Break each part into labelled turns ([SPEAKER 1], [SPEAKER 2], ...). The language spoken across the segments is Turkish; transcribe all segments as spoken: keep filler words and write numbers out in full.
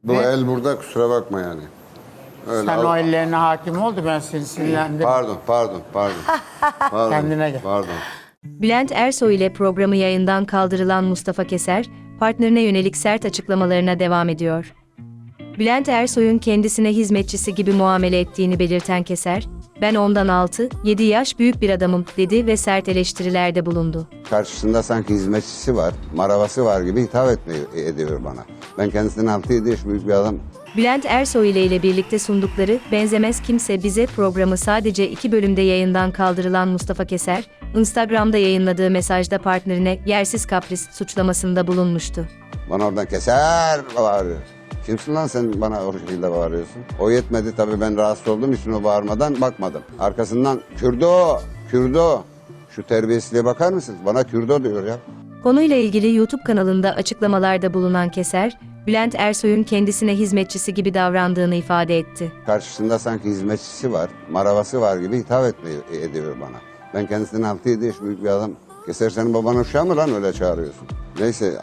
[SPEAKER 1] Bu
[SPEAKER 2] Ve
[SPEAKER 1] el burada, kusura bakma yani. Öyle
[SPEAKER 2] sen
[SPEAKER 1] al-
[SPEAKER 2] o ellerine hakim oldu, ben seni sinirlendim.
[SPEAKER 1] Pardon, pardon, pardon. Pardon,
[SPEAKER 2] Kendine gel.
[SPEAKER 1] Pardon.
[SPEAKER 3] Bülent Ersoy ile programı yayından kaldırılan Mustafa Keser, partnerine yönelik sert açıklamalarına devam ediyor. Bülent Ersoy'un kendisine hizmetçisi gibi muamele ettiğini belirten Keser, "Ben ondan altı yedi yaş büyük bir adamım," dedi ve sert eleştirilerde bulundu.
[SPEAKER 1] Karşısında sanki hizmetçisi var, maravası var gibi hitap etmiyor, ediyor bana. Ben kendisinden altı yedi yaş büyük bir adam.
[SPEAKER 3] Bülent Ersoy ile ile birlikte sundukları "Benzemez Kimse Bize" programı sadece iki bölümde yayından kaldırılan Mustafa Keser, Instagram'da yayınladığı mesajda partnerine yersiz kapris suçlamasında bulunmuştu.
[SPEAKER 1] Bana oradan keser bağırıyor. Kimsin lan sen bana o şekilde bağırıyorsun? O yetmedi tabii, ben rahatsız olduğum için o bağırmadan bakmadım. Arkasından Kürdo, Kürdo. Şu terbiyesizliğe bakar mısınız? Bana Kürdo diyor ya.
[SPEAKER 3] Konuyla ilgili YouTube kanalında açıklamalarda bulunan Keser, Bülent Ersoy'un kendisine hizmetçisi gibi davrandığını ifade etti.
[SPEAKER 1] Karşısında sanki hizmetçisi var, maravası var gibi hitap etmiyor, ediyor bana. Ben kendisinden altı yedi yaş büyük bir adam. Keser, senin baban uşağı mı lan öyle çağırıyorsun? Neyse,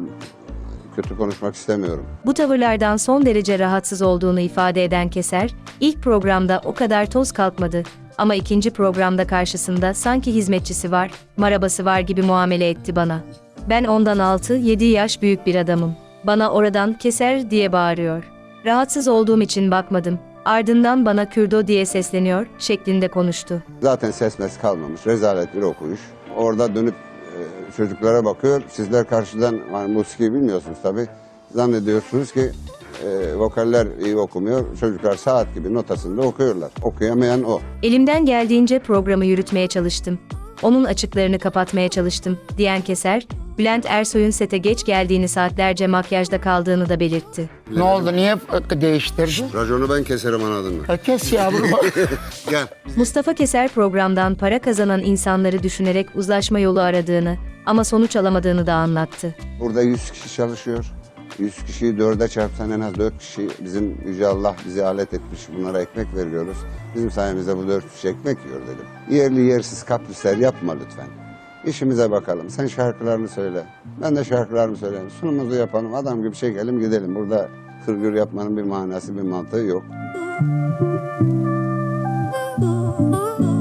[SPEAKER 1] kötü konuşmak istemiyorum.
[SPEAKER 3] Bu tavırlardan son derece rahatsız olduğunu ifade eden Keser, ilk programda o kadar toz kalkmadı ama ikinci programda karşısında sanki hizmetçisi var, marabası var gibi muamele etti bana. "Ben ondan altı yedi yaş büyük bir adamım. Bana oradan Keser diye bağırıyor. Rahatsız olduğum için bakmadım. Ardından bana Kürdo diye sesleniyor," şeklinde konuştu.
[SPEAKER 1] Zaten ses mes kalmamış, rezalet bir okuyuş. Orada dönüp e, çocuklara bakıyor. Sizler karşıdan, hani musiki bilmiyorsunuz tabii. Zannediyorsunuz ki e, vokaller iyi okumuyor. Çocuklar saat gibi notasında okuyorlar. Okuyamayan o.
[SPEAKER 3] "Elimden geldiğince programı yürütmeye çalıştım. Onun açıklarını kapatmaya çalıştım," diyen Keser, Bülent Ersoy'un sete geç geldiğini, saatlerce makyajda kaldığını da belirtti.
[SPEAKER 2] Ne oldu, niye değiştirdin?
[SPEAKER 1] Raconu ben keserim, anladın mı?
[SPEAKER 2] E kes yavrum.
[SPEAKER 1] Gel.
[SPEAKER 3] Mustafa Keser programdan para kazanan insanları düşünerek uzlaşma yolu aradığını ama sonuç alamadığını da anlattı.
[SPEAKER 1] Burada yüz kişi çalışıyor. yüz kişiyi dörde çarpsan en az dört kişi, bizim Yüce Allah bizi alet etmiş, bunlara ekmek veriyoruz. Bizim sayemizde bu dört kişi ekmek yiyor dedim. Yerli yersiz kaprisler yapma lütfen. İşimize bakalım. Sen şarkılarını söyle. Ben de şarkılarımı söyleyeyim. Sunumuzu yapalım. Adam gibi çekelim gidelim. Burada hırgür yapmanın bir manası, bir mantığı yok.